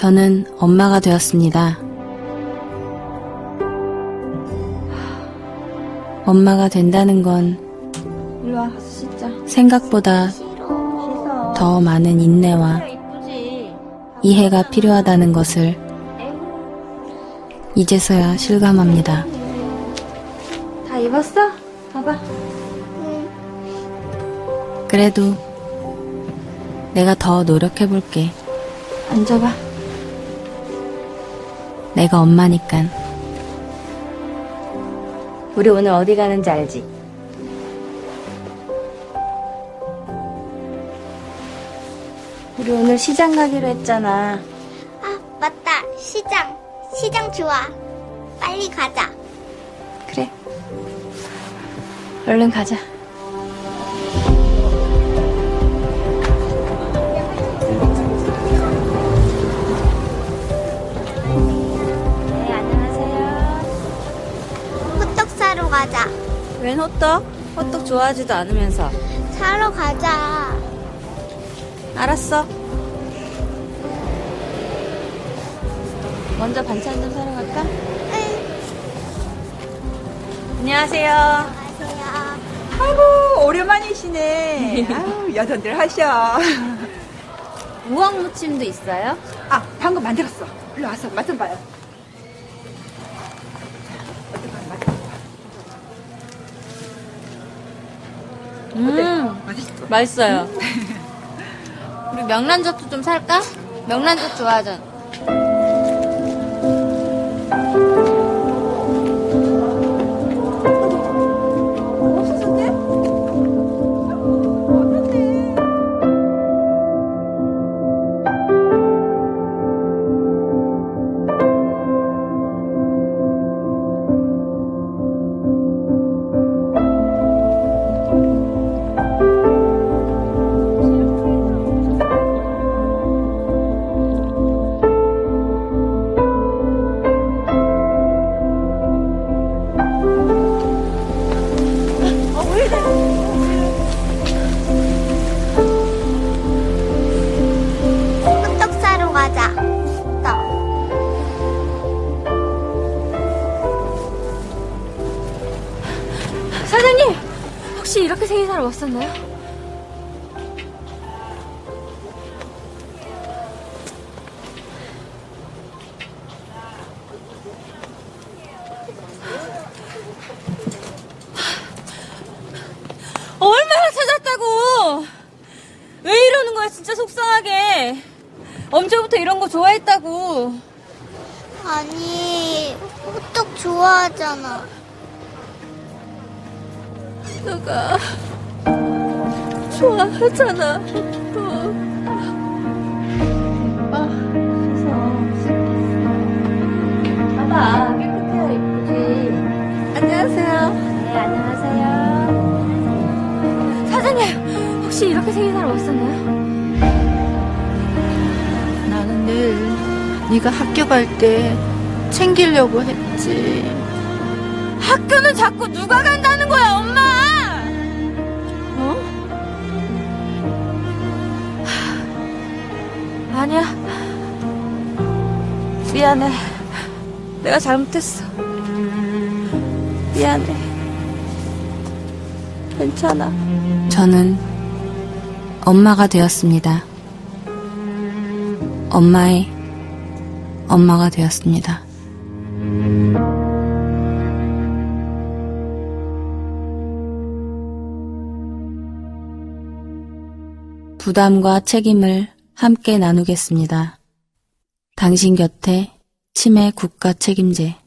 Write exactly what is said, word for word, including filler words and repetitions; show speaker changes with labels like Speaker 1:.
Speaker 1: 저는 엄마가 되었습니다. 엄마가 된다는 건
Speaker 2: 일로 와, 가서 씻자.
Speaker 1: 생각보다
Speaker 2: 씻어.
Speaker 1: 더 많은 인내와
Speaker 2: 이쁘지?
Speaker 1: 이해가 필요하다는 것을 이제서야 실감합니다.
Speaker 2: 다 입었어? 봐봐.
Speaker 1: 그래도 내가 더 노력해볼게.
Speaker 2: 앉아봐.
Speaker 1: 내가 엄마니깐.
Speaker 2: 우리 오늘 어디 가는지 알지? 우리 오늘 시장 가기로 했잖아.
Speaker 3: 아, 맞다. 시장. 시장 좋아. 빨리 가자.
Speaker 2: 그래. 얼른 가자. 네, 안녕하세요.
Speaker 3: 호떡 사러 가자.
Speaker 2: 웬 호떡? 호떡 좋아하지도 않으면서.
Speaker 3: 사러 가자.
Speaker 2: 알았어. 먼저 반찬 좀 사러 갈까?
Speaker 3: 응.
Speaker 2: 안녕하세요.
Speaker 3: 안녕하세요.
Speaker 4: 아이고 오랜만이시네. 아유 여전들 하셔.
Speaker 2: 우엉 무침도 있어요?
Speaker 4: 아 방금 만들었어. 일로 와서 맛 좀 봐요. 어떡하 맛 좀 봐.
Speaker 2: 음,
Speaker 4: 맛있어.
Speaker 2: 맛있어요. 우리 명란젓도 좀 살까? 명란젓 좋아하잖아.
Speaker 4: 없었었대? 어떡해.
Speaker 3: 호떡 사러 가자. 호떡.
Speaker 2: 사장님! 혹시 이렇게 생일사를 왔었나요? 얼마나 찾았다고! 왜 이러는 거야, 진짜 속상하게. 언제부터 이런 거 좋아했다고.
Speaker 3: 아니, 호떡 좋아하잖아.
Speaker 2: 너가 좋아하잖아. 또. 아, 씻어. 봐봐, 깨끗해야 이쁘지. 안녕하세요. 네, 안녕하세요. 사장님, 혹시 이렇게 생일사러 왔었나요?
Speaker 5: 나는 늘 네가 학교 갈 때 챙기려고 했지.
Speaker 2: 학교는 자꾸 누가 간다는 거야, 엄마! 어? 하, 아니야. 미안해. 내가 잘못했어. 미안해. 괜찮아.
Speaker 1: 저는 엄마가 되었습니다. 엄마의 엄마가 되었습니다. 부담과 책임을 함께 나누겠습니다. 당신 곁에 치매 국가 책임제.